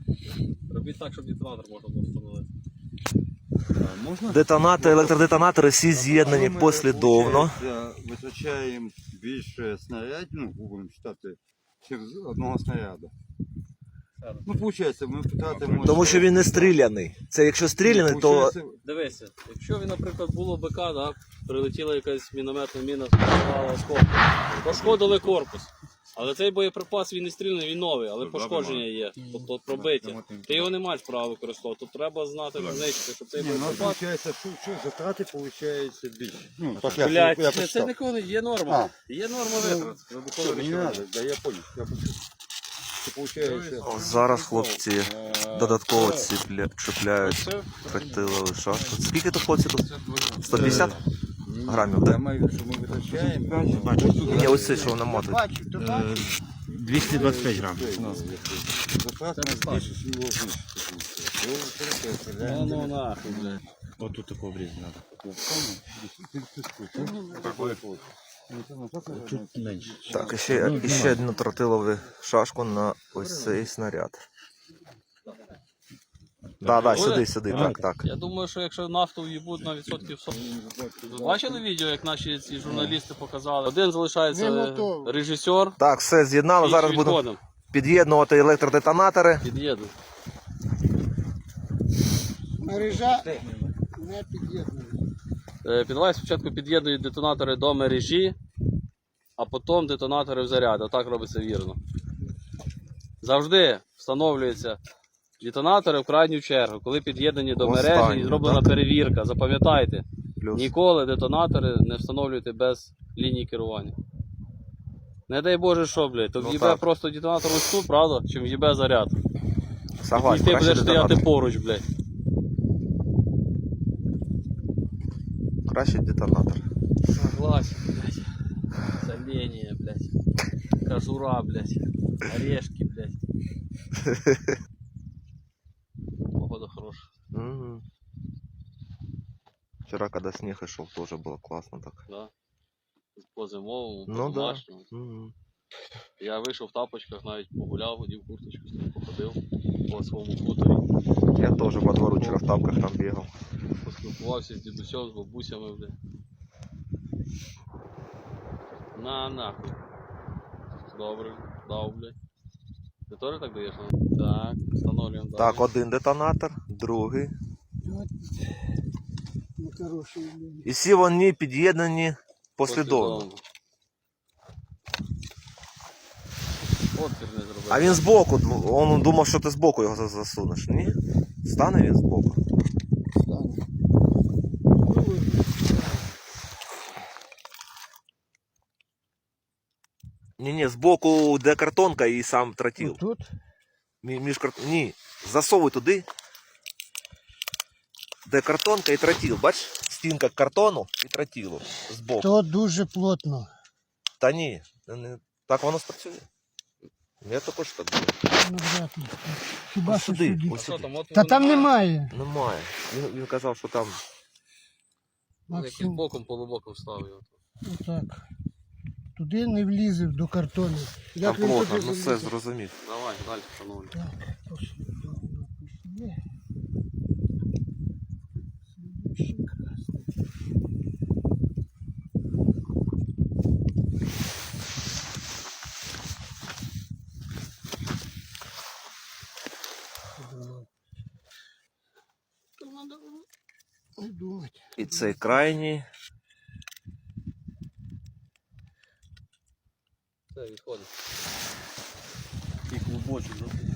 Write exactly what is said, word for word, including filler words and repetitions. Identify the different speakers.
Speaker 1: Робіть так, щоб детонатор можна було встановити.
Speaker 2: Детонатори, електродетонатори всі з'єднані послідовно.
Speaker 3: Витрачаємо більше снарядів, ну, будемо вважати, через одного снаряду. Ну, виходить, ми втратимо...
Speaker 2: Тому що він не стріляний. Це якщо стріляний, то...
Speaker 1: Дивися, якщо він, наприклад, було БК, да, прилетіла якась мінометна міна, спрацювала осколки, пошкодили корпус. Але цей боєприпас, він не стріляний, він новий, але пошкодження є, тобто пробиття. Ти його не маєш права використовувати, тут треба знати, знищити, щоб цей боєприпас...
Speaker 3: Ну, виходить, що затрати, виходить, більше. Ну,
Speaker 1: Блядь, це ніколи є норма. Є норма витрат.
Speaker 3: Не треба, да, я понял, я понял.
Speaker 2: Зараз хлопці додатково ціпля... чіпляють тротиловий шашку. Скільки тут хлопці тут? сто п'ятдесят грамів, так?
Speaker 3: Я що ми витрачаємо.
Speaker 2: Ні, ось це, що воно мотить.
Speaker 4: двісті двадцять п'ять грам.
Speaker 3: Затрати на більше, ніж його знищити.
Speaker 1: Ну, ну, нахуй, блядь.
Speaker 4: Вот тут такого обрезать надо. Чуть меньше.
Speaker 2: Так, і ще, і ще одну тротилову шашку на ось цей снаряд. Так, так, сюди, сюди, так, так.
Speaker 1: Я думаю, що якщо нафту в'їбуть на відсотків сорок. Ви бачили відео, як наші ці журналісти показали? Один залишається режисер,
Speaker 2: Так, все з'єднали, зараз
Speaker 1: інший
Speaker 2: будемо
Speaker 1: відходом.
Speaker 2: під'єднувати електродетонатори.
Speaker 1: Під'їду.
Speaker 5: Мережа не під'єднана.
Speaker 1: Підвай спочатку під'єднують детонатори до мережі, а потім детонатори в заряд. Отак робиться вірно. Завжди встановлюються детонатори в крайню чергу, коли під'єднані до мережі
Speaker 2: Останній,
Speaker 1: і зроблена
Speaker 2: так?
Speaker 1: перевірка. Запам'ятайте,
Speaker 2: Плюс.
Speaker 1: ніколи детонатори не встановлюйте без лінії керування. Не дай Боже що, блядь, то
Speaker 2: Ну,
Speaker 1: в'їбе
Speaker 2: так.
Speaker 1: просто детонатор ось тут, правда, чим в'їбе заряд.
Speaker 2: Согласен,
Speaker 1: І ти
Speaker 2: краще
Speaker 1: будеш стояти
Speaker 2: детонатор.
Speaker 1: поруч, блядь.
Speaker 2: Краще детонатор.
Speaker 1: Согласен, блядь. Соленье, блядь. Кожура, блядь. Орешки, блядь. Погода хорошая.
Speaker 2: Угу. Вчера, когда снег и шел, тоже было классно так.
Speaker 1: Да. По зимовому, по
Speaker 2: Ну да.
Speaker 1: домашньому.
Speaker 2: Угу.
Speaker 1: Я вийшов в тапочках, навіть погуляв, одів курточку, з ним походив по своєму хуторі.
Speaker 2: Я тоже по двору вчера в тапках там бегал.
Speaker 1: Поспілкувався з дідусем, з бабусями, блядь. На нахуй. Добре, дав, блядь. Ти теж так даєш? Так, встановлюємо далі.
Speaker 2: Так, один детонатор, другий.
Speaker 5: От нехороший.
Speaker 2: І всі вони під'єднані послідовно.
Speaker 1: Отвір не зробив.
Speaker 2: А він збоку, він думав, що ти збоку його засунеш. Ні? Стане він збоку.
Speaker 5: Стане.
Speaker 2: Ні-ні, збоку, де картонка і сам тротил.
Speaker 5: Тут
Speaker 2: Мі- Між карт... Ні, засовуй туди, де картонка і тротил. Бач, стінка картону і тротилу збоку.
Speaker 5: то дуже плотно.
Speaker 2: Та ні, не- так воно спрацює. Я також так думаю.
Speaker 5: Ну, вряд ли. Хіба
Speaker 2: Ось
Speaker 5: що
Speaker 2: сюди,
Speaker 5: сюди.
Speaker 2: ось
Speaker 1: Що
Speaker 2: сюди.
Speaker 1: там, отвору
Speaker 5: Та там немає.
Speaker 2: Немає. Він, він казав, що там.
Speaker 1: Якийсь
Speaker 5: Максим,
Speaker 1: боком, полубоком став його.
Speaker 5: отак. Туди не влізе до картону.
Speaker 2: Там
Speaker 5: Як він
Speaker 2: плотно,
Speaker 5: туди
Speaker 2: ну все
Speaker 5: залізе?
Speaker 2: зрозумів.
Speaker 1: Давай, далі встановлюй.
Speaker 5: Так, послідовно пішли. Слідуючий красний. Думав. Думати.
Speaker 2: І цей крайній.
Speaker 1: Все, відходить. І клубочок, да?